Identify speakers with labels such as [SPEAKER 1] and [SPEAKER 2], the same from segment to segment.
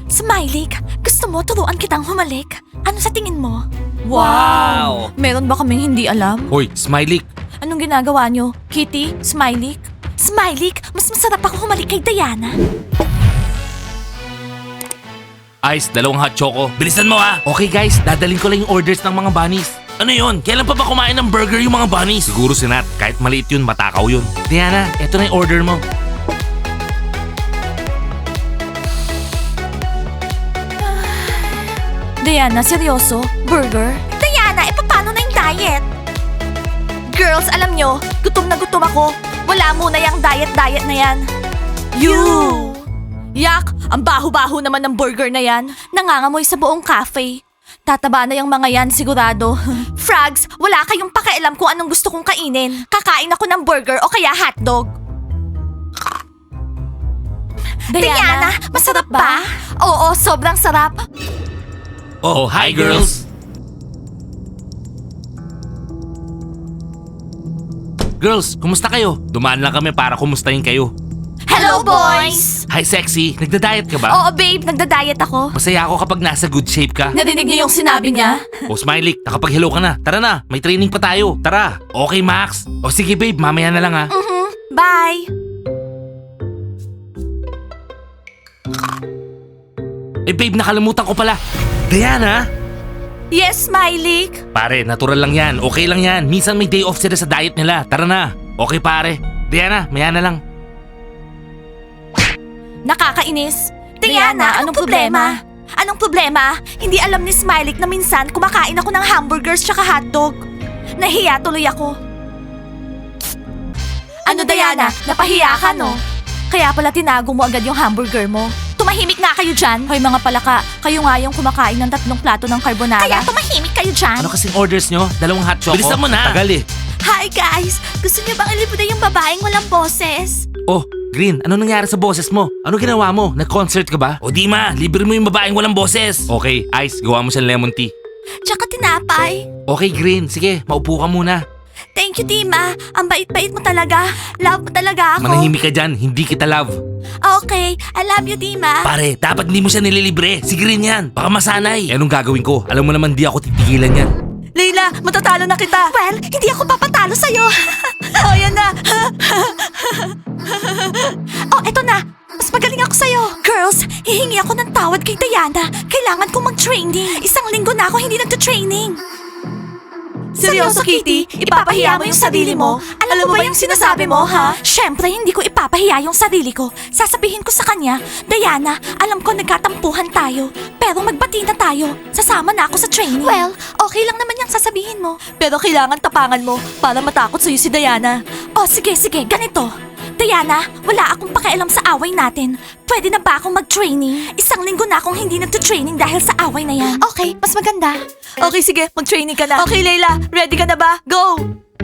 [SPEAKER 1] Smiley, gusto mo turuan kitang humalik? Ano sa tingin mo?
[SPEAKER 2] Wow!
[SPEAKER 1] Meron ba kaming hindi alam?
[SPEAKER 2] Hoy, Smiley!
[SPEAKER 1] Anong ginagawa nyo? Kitty? Smiley? Smiley, mas masarap ako humalik kay Diana.
[SPEAKER 2] Ice, 2 hot choco. Bilisan mo ha! Okay guys, dadalhin ko lang yung orders ng mga bunnies. Ano yun? Kailan pa ba kumain ng burger yung mga bunnies? Siguro si Nat. Kahit maliit yun, matakaw yun. Diana, eto na yung order mo.
[SPEAKER 1] Diana, seryoso? Burger? Diana, paano na yung diet? Girls, alam nyo, gutom na gutom ako. Wala muna yung diet na yan. You! Yak, ang baho-baho naman ng burger na yan. Nangangamoy sa buong cafe. Tataba na yung mga yan, sigurado. Frogs, wala kayong pakialam kung anong gusto kong kainin. Kakain ako ng burger o kaya hotdog. Diana, masarap ba? Oo, sobrang sarap.
[SPEAKER 2] Oh, hi girls! Girls, kumusta kayo? Dumaan lang kami para kumustahin kayo.
[SPEAKER 1] Hello, boys!
[SPEAKER 2] Hi sexy, nagda-diet ka ba?
[SPEAKER 1] Oo, babe, nagda-diet ako.
[SPEAKER 2] Masaya ako kapag nasa good shape ka.
[SPEAKER 1] Narinig niyo yung sinabi niya?
[SPEAKER 2] O Smiley, nakapag-hello ka na. Tara na, may training pa tayo. Tara. Okay Max. O sige babe, mamaya na lang ha.
[SPEAKER 1] Bye!
[SPEAKER 2] Eh babe, nakalimutan ko pala. Diana?
[SPEAKER 1] Yes, Smiley!
[SPEAKER 2] Pare, natural lang yan. Okay lang yan. Minsan may day off sila sa diet nila. Tara na. Okay pare. Diana, maya na lang.
[SPEAKER 1] Nakakainis. Diana, anong problema? Anong problema? Hindi alam ni Smiley na minsan kumakain ako ng hamburgers tsaka hotdog. Nahiya tuloy ako. Ano Diana? Napahiya ka no? Kaya pala tinago mo agad yung hamburger mo. Tumahimik nga kayo dyan. Hoy mga palaka, kayo nga yung kumakain ng 3 plato ng carbonara. Kaya tumahimik kayo dyan.
[SPEAKER 2] Ano kasing orders nyo? 2 hot choco? Bilisan mo na. Tagal eh.
[SPEAKER 1] Hi guys! Gusto niyo bang ilibuda yung babaeng walang boses?
[SPEAKER 2] Oh, Green, ano nangyari sa boses mo? Ano ginawa mo? Nag-concert ka ba? O di ma, libre mo yung babaeng walang boses. Okay, Ice, gawa mo siyang lemon tea.
[SPEAKER 1] Tsaka tinapay.
[SPEAKER 2] Okay, Green, sige, maupo ka muna.
[SPEAKER 1] Thank you, Dima. Ang bait-bait mo talaga. Love mo talaga ako.
[SPEAKER 2] Manahimik ka dyan, hindi kita love.
[SPEAKER 1] Okay, I love you, Dima.
[SPEAKER 2] Pare, dapat hindi mo siya nililibre. Si Green yan, baka masanay. Eh, anong gagawin ko? Alam mo naman di ako titigilan yan.
[SPEAKER 1] Leila, matatalo na kita. Well, hindi ako papatalo sa'yo. Oh, yan na. Oh, eto na. Mas magaling ako sa'yo. Girls, hihingi ako ng tawad kay Diana. Kailangan kong mag-training. 1 linggo na ako hindi nagta-training. Seryoso, Kitty? Ipapahiya mo yung sarili mo? Alam mo ba yung sinasabi mo, ha? Siyempre, hindi ko ipapahiya yung sarili ko. Sasabihin ko sa kanya, Diana, alam ko nagkatampuhan tayo. Pero magbati na tayo. Sasama na ako sa training. Well, okay lang naman yung sasabihin mo. Pero kailangan tapangan mo para matakot sa'yo si Diana. Oh, sige, ganito. Diana, wala akong pakialam sa away natin. Pwede na ba akong mag-training? 1 linggo na akong hindi nagtutraining dahil sa away na yan. Okay, mas maganda. Okay, sige, mag-training ka na. Okay, Leila, ready ka na ba? Go!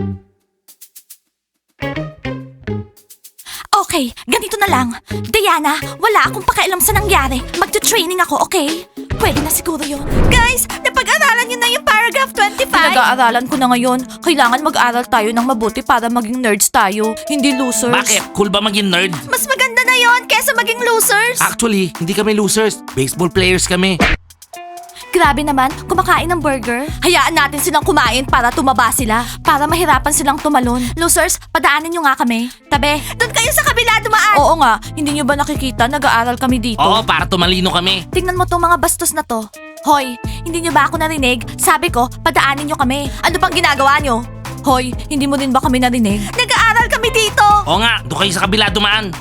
[SPEAKER 1] Okay, ganito na lang. Diana, wala akong pakialam sa nangyari. Magtutraining ako, okay? Pwede na siguro yun. Guys, napag-aralan nyo na yung paragraph 25? Pinag-aaralan ko na ngayon. Kailangan mag-aral tayo ng mabuti para maging nerds tayo, hindi losers.
[SPEAKER 2] Bakit? Cool ba maging nerd?
[SPEAKER 1] Mas maganda na yon kesa maging losers.
[SPEAKER 2] Actually, hindi kami losers. Baseball players kami.
[SPEAKER 1] Grabe naman, kumakain ng burger. Hayaan natin silang kumain para tumaba sila. Para mahirapan silang tumalon. Losers, padaanin nyo nga kami. Tabi. Doon kayo sa kabila dumaan. Oo nga, hindi nyo ba nakikita? Nag-aaral kami dito.
[SPEAKER 2] Oo, para tumalino kami.
[SPEAKER 1] Tingnan mo tong mga bastos na to. Hoy, hindi nyo ba ako narinig? Sabi ko, padaanin nyo kami. Ano pang ginagawa nyo? Hoy, hindi mo din ba kami narinig? Nag-aaral kami dito!
[SPEAKER 2] Oo nga, doon kayo sa kabila dumaan.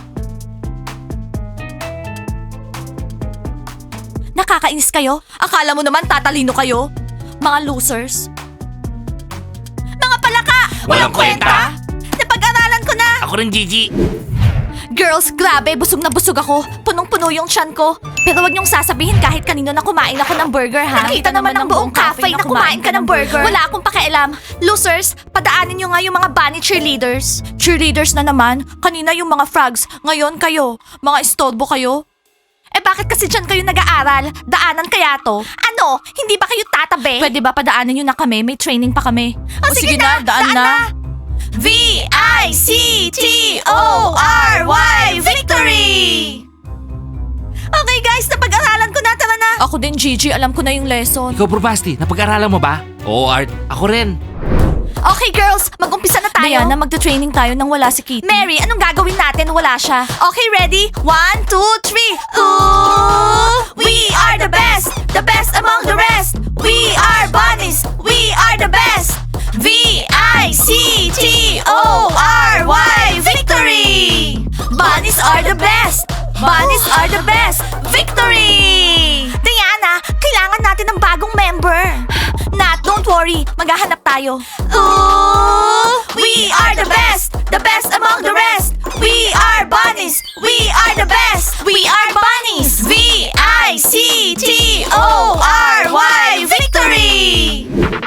[SPEAKER 1] Nakakainis kayo? Akala mo naman tatalino kayo? Mga losers. Mga palaka!
[SPEAKER 2] Walang kwenta!
[SPEAKER 1] Napag-aralan ko na!
[SPEAKER 2] Ako rin, Gigi.
[SPEAKER 1] Girls, grabe, busog na busog ako. Punong-puno yung tiyan ko. Pero wag niyong sasabihin kahit kanino na kumain ako ng burger, ha? Nakita naman ng buong cafe na kumain ka ng burger. Wala akong pakialam. Losers, padaanin niyo nga yung mga bunny cheerleaders. Cheerleaders na naman. Kanina yung mga frogs. Ngayon kayo. Mga istorbo kayo. Eh bakit kasi dyan kayo nag-aaral? Daanan kaya to? Ano? Hindi ba kayo tatabi? Pwede ba padaanan nyo na kami? May training pa kami. O sige na, daan na. V-I-C-T-O-R-Y Victory! Okay guys, napag-aralan ko Ako din, Gigi. Alam ko na yung lesson.
[SPEAKER 2] Ikaw, Probasti, napag-aralan mo ba? Oo, Art. Ako rin.
[SPEAKER 1] Okay, girls. Mag-umpisa na tayo. Diana, magta-training tayo nang wala si Kitty. Mary, anong gagawin natin? Wala siya. Okay, ready? 1, 2, 3. Ooh, we are the best! The best among the rest! We are bunnies! We are the best! V-I-C-T-O-R-Y! Victory! Bunnies are the best! Bunnies are the best! Victory! Diana, kailangan natin ng bagong member. Nat, don't worry. Maghahanap tayo. Ooh, we are the best! The best among the rest! We are bunnies! We are the best! We are bunnies! V-I-C-T-O-R-Y! Victory!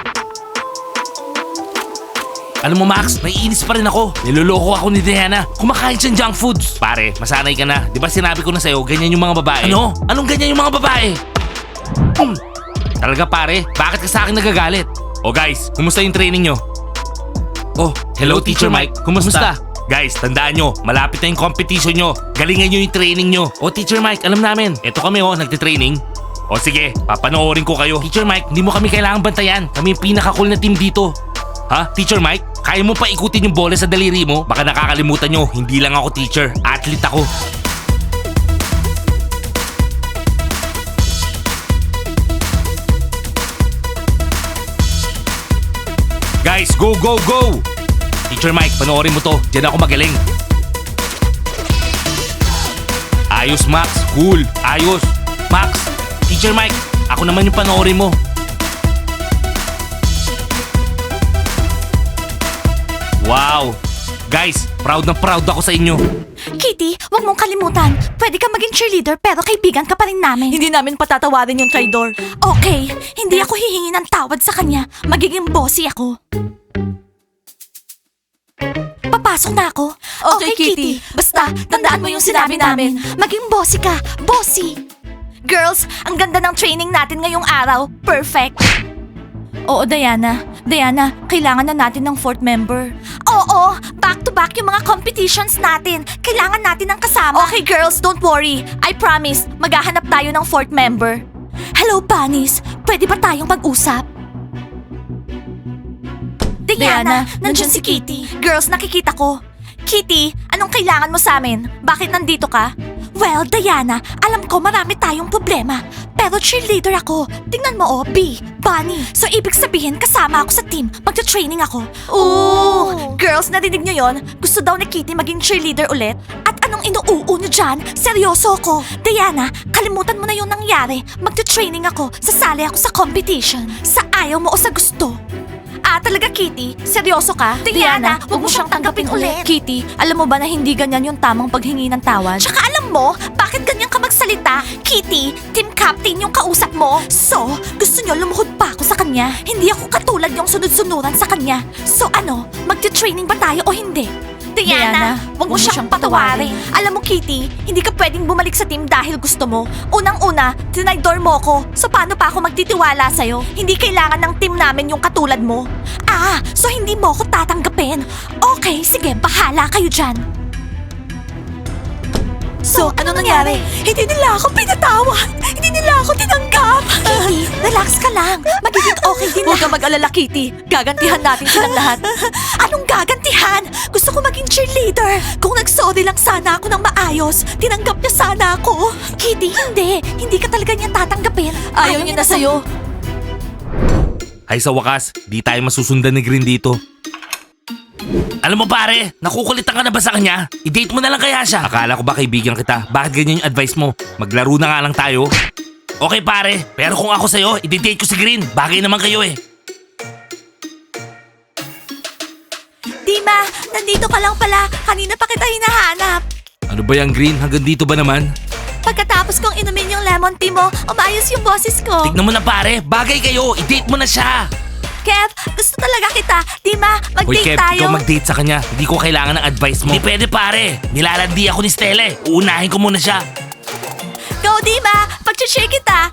[SPEAKER 2] Alam mo, Max, naiinis pa rin ako. Niloloko ako ni Diana. Kumakain siyang junk foods. Pare, masanay ka na. Di ba sinabi ko na sa'yo, ganyan yung mga babae? Ano? Anong ganyan yung mga babae? Talaga pare, bakit ka sa akin nagagalit? Oh guys, kumusta yung training nyo? Oh, hello Teacher Mike. Kumusta? Guys, tandaan nyo, malapit na yung competition nyo. Galingan nyo yung training nyo. Oh Teacher Mike, alam namin. Eto kami nagtitraining. O sige, papanoorin ko kayo. Teacher Mike, hindi mo kami kailangang bantayan. Kami yung pinaka-cool na team dito. Ha? Teacher Mike? Kaya mo pa ikutin yung bola sa daliri mo? Baka nakakalimutan nyo, hindi lang ako teacher. Athlete ako. Guys, go, go, go! Teacher Mike, panoorin mo to. Diyan ako magaling. Ayos, Max. Cool. Ayos. Max, Teacher Mike, ako naman yung panoorin mo. Wow! Guys, proud na proud ako sa inyo.
[SPEAKER 1] Kitty, wag mong kalimutan. Pwede ka maging cheerleader pero kaibigan ka pa rin namin. Hindi namin patatawarin yung traidor. Okay, hindi ako hihingi ng tawad sa kanya. Magiging bossy ako. Papasok na ako. Okay, Kitty. Basta, tandaan mo yung sinabi namin. Maging bossy ka. Bossy. Girls, ang ganda ng training natin ngayong araw. Perfect. Oo, Diana. Diana, kailangan na natin ng fourth member. Oo, back-to-back yung mga competitions natin. Kailangan natin ng kasama. Okay, girls, don't worry. I promise, maghahanap tayo ng fourth member. Hello, bunnies. Pwede ba tayong mag-usap? Diana, nandyan si Kitty. Girls, nakikita ko. Kitty, anong kailangan mo sa amin? Bakit nandito ka? Well, Diana, alam ko marami tayong problema. Pero cheerleader ako. Tingnan mo B, Bunny. So ibig sabihin kasama ako sa team. Magta-training ako. Ooh! Girls, narinig nyo yon? Gusto daw ni Kitty maging cheerleader ulit? At anong inuuu nyo dyan? Seryoso ako. Diana, kalimutan mo na yung nangyari. Magta-training ako. Sasali ako sa competition. Sa ayaw mo o sa gusto. Ah, talaga, Kitty? Seryoso ka? Diana, huwag mo siyang tanggapin ulit. Kitty, alam mo ba na hindi ganyan yung tamang paghingi ng tawad? Tsaka alam mo, bakit ganyan ka magsalita? Kitty, team captain yung kausap mo. So, gusto niyo lumuhod pa ako sa kanya? Hindi ako katulad yung sunod-sunuran sa kanya. So ano, magti-training ba tayo o hindi? Diana, huwag mo siyang patawarin. Alam mo, Kitty, hindi ka pwedeng bumalik sa team dahil gusto mo. Unang-una, tinaydor mo ko. So paano pa ako magtitiwala sa'yo? Hindi kailangan ng team namin yung katulad mo. Ah, so hindi mo ko tatanggapin. Okay, sige, bahala kayo dyan. So, ano nangyari? Hindi nila ako pinatawad. Hindi nila ako tinanggap. Kitty, relax ka lang. Magiging okay din Huwag ka mag-alala, Kitty. Gagantihan natin silang lahat. Anong gagantihan? Gusto ko maging cheerleader. Kung nag-sorry lang sana ako ng maayos, tinanggap niya sana ako. Kitty, hindi. Hindi ka talaga niya tatanggapin. Ayaw niya na sa'yo.
[SPEAKER 2] Ay sa wakas, di tayo masusundan ni Green dito. Alam mo pare, nakukulitan ka na ba sa kanya? I-date mo na lang kaya siya. Akala ko ba kaibigan kita? Bakit ganyan yung advice mo? Maglaro na nga lang tayo. Okay pare, pero kung ako sa'yo, i-date ko si Green. Bagay naman kayo eh.
[SPEAKER 1] Dima, nandito ka lang pala. Kanina pa kita hinahanap.
[SPEAKER 2] Ano ba yan Green? Hanggang dito ba naman?
[SPEAKER 1] Pagkatapos kong inumin yung lemon tea mo, umayos yung boses ko.
[SPEAKER 2] Tignan mo na pare, bagay kayo. I-date mo na siya.
[SPEAKER 1] Kev, gusto talaga kita. Dima,
[SPEAKER 2] Hoy
[SPEAKER 1] mag-date
[SPEAKER 2] Kev,
[SPEAKER 1] tayo.
[SPEAKER 2] ikaw mag-date sa kanya. Hindi ko kailangan ng advice mo. Hindi pwede pare. Nilalandi ako ni Stella. Uunahin ko muna siya.
[SPEAKER 1] Go, Dima! Pag-cheer kita!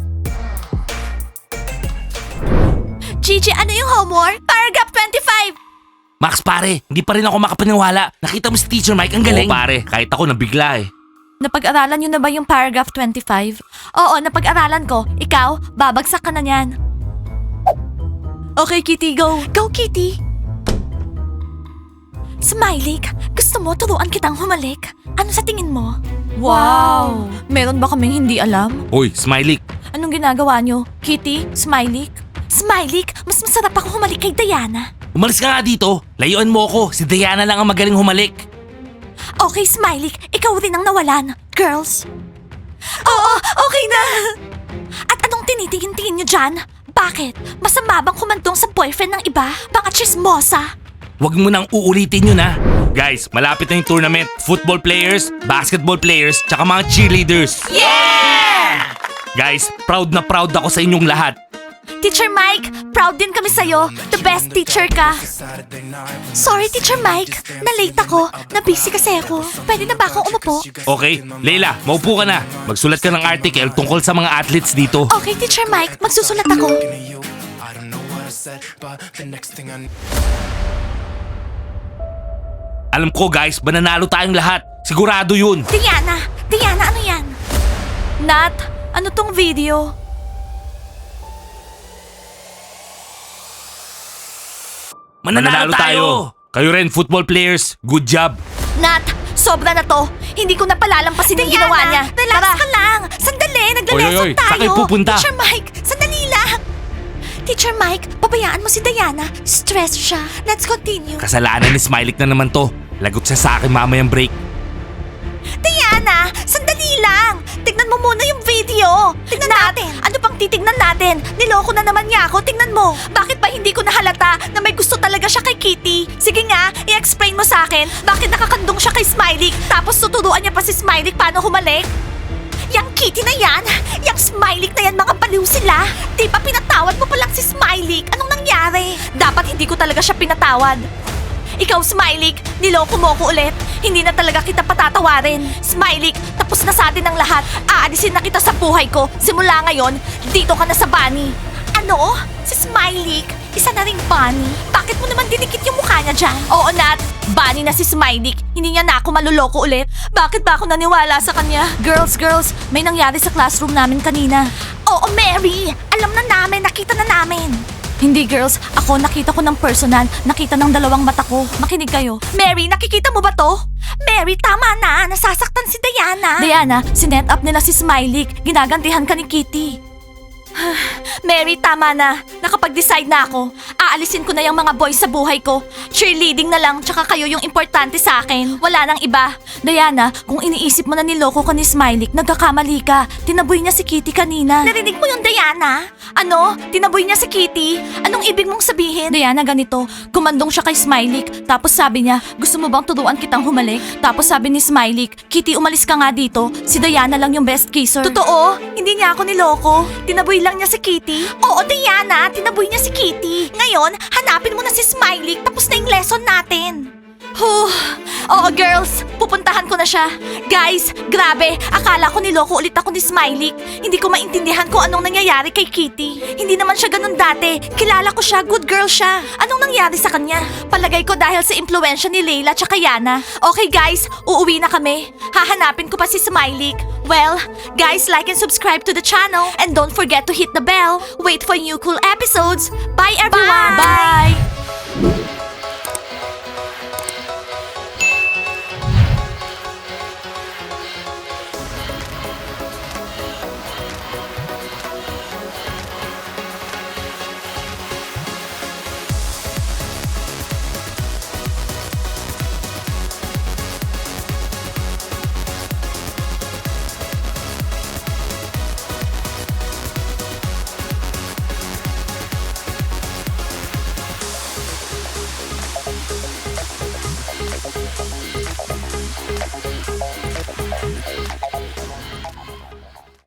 [SPEAKER 1] Gigi, ano yung homework? Paragraph 25!
[SPEAKER 2] Max pare, hindi pa rin ako makapaniwala. Nakita mo si Teacher Mike, ang galing. Oo pare, kahit ako nabigla eh.
[SPEAKER 1] Napag-aralan nyo na ba yung paragraph 25? Oo, napag-aralan ko. Ikaw, babagsak ka na niyan. Okay, Kitty, go. Go, Kitty. Smiley, gusto mo turuan kitang humalik? Ano sa tingin mo? Wow! Meron ba kaming hindi alam?
[SPEAKER 2] Hoy, Smiley.
[SPEAKER 1] Anong ginagawa nyo? Kitty? Smiley? Smiley, mas masarap ako humalik kay Diana.
[SPEAKER 2] Umalis ka nga dito. Layuan mo ako. Si Diana lang ang magaling humalik.
[SPEAKER 1] Okay, Smiley, ikaw rin ang nawalan. Girls? Oo, okay na! At anong tinitingin-tingin nyo dyan? Bakit? Masama bang kumandong sa boyfriend ng iba? Mga chismosa?
[SPEAKER 2] Huwag mo nang uulitin yun ha. Guys, malapit na yung tournament. Football players, basketball players, tsaka mga cheerleaders.
[SPEAKER 1] Yeah!
[SPEAKER 2] Guys, proud na proud ako sa inyong lahat.
[SPEAKER 1] Teacher Mike, proud din kami sa'yo. The best teacher ka. Sorry, Teacher Mike. Na-late ako. Na-busy kasi ako. Pwede na ba akong umupo?
[SPEAKER 2] Okay, Leila, maupo ka na. Magsulat ka ng article tungkol sa mga athletes dito.
[SPEAKER 1] Okay, Teacher Mike. Magsusulat ako.
[SPEAKER 2] Alam ko guys, mananalo tayong lahat. Sigurado yun.
[SPEAKER 1] Diana, ano yan? Nat, ano tong video?
[SPEAKER 2] Mananalo tayo. Kayo rin, football players. Good job.
[SPEAKER 1] Nat, sobra na to. Hindi ko na palalampasin yung ginawa niya. Relax ka lang. Sandali, naglalesson
[SPEAKER 2] Oy,
[SPEAKER 1] tayo.
[SPEAKER 2] saan kayo pupunta?
[SPEAKER 1] Teacher Mike, sandali lang. Teacher Mike, pabayaan mo si Diana. Stress siya. Let's continue.
[SPEAKER 2] Kasalanan ni Smiley na naman to. Lagot siya sa akin mamayang break.
[SPEAKER 1] Diana, sandali lang. Tignan mo muna yung video. Tignan natin. Ano pang titignan natin? Niloko na naman niya ako. Tignan mo. Bakit ba hindi ko nahalata na may gusto talaga siya kay Kitty? Sige nga, i-explain mo sa akin. Bakit nakakandong siya kay Smiley tapos tuturuan niya pa si Smiley paano humalik? Yang Kitty na yan, yang Smiley na yan, mga baliw sila. Di ba pinatawad mo pa lang si Smiley? Anong nangyari? Dapat hindi ko talaga siya pinatawad. Ikaw, Smiley, niloko mo ko ulit. Hindi na talaga kita patatawarin. Smiley, tapos na sa atin ang lahat. Aalisin na kita sa buhay ko. Simula ngayon, dito ka na sa bunny. Ano? Si Smiley? Isa na ring bunny? Bakit mo naman dinikit yung mukha niya dyan? Oo, Nat. Bunny na si Smiley. Hindi niya na ako maluloko ulit. Bakit ba ako naniwala sa kanya? Girls, may nangyari sa classroom namin kanina. Oo, Mary. Alam na namin. Nakita na namin. Hindi, girls. Ako, nakita ko ng personal. Nakita ng dalawang mata ko. Makinig kayo. Mary, nakikita mo ba to? Mary, tama na. Nasasaktan si Diana. Diana, sinet up nila si Smiley. Ginagantihan ka ni Kitty. Mary, tama na. Nakapag-decide na ako. Aalisin ko na yung mga boys sa buhay ko. Cheerleading na lang, tsaka kayo yung importante sa akin. Wala nang iba. Diana, kung iniisip mo na niloko ka ni Smiley, nagkakamali ka. Tinaboy niya si Kitty kanina. Narinig mo yung Diana? Ano? Tinaboy niya si Kitty? Anong ibig mong sabihin? Diana, ganito. Kumandong siya kay Smiley. Tapos sabi niya, gusto mo bang turuan kitang humalik? Tapos sabi ni Smiley, Kitty, umalis ka nga dito. Si Diana lang yung best kisser. Totoo? Hindi niya ako niloko. Tinaboy lang niya si Kitty? Oo, Diana. Tinaboy niya si Kitty. Ngayon, hanapin mo na si Smiley. Tapos na yung lesson natin. Oo, girls. Pupuntahan ko na siya. Guys, grabe. Akala ko niloko ulit ako ni Smiley. Hindi ko maintindihan kung anong nangyayari kay Kitty. Hindi naman siya ganun dati. Kilala ko siya. Good girl siya. Anong nangyari sa kanya? Palagay ko dahil sa impluensya ni Layla tsaka Yana. Okay, guys. Uuwi na kami. Hahanapin ko pa si Smiley. Well, guys, like and subscribe to the channel. And don't forget to hit the bell. Wait for new cool episodes. Bye, everyone. Bye.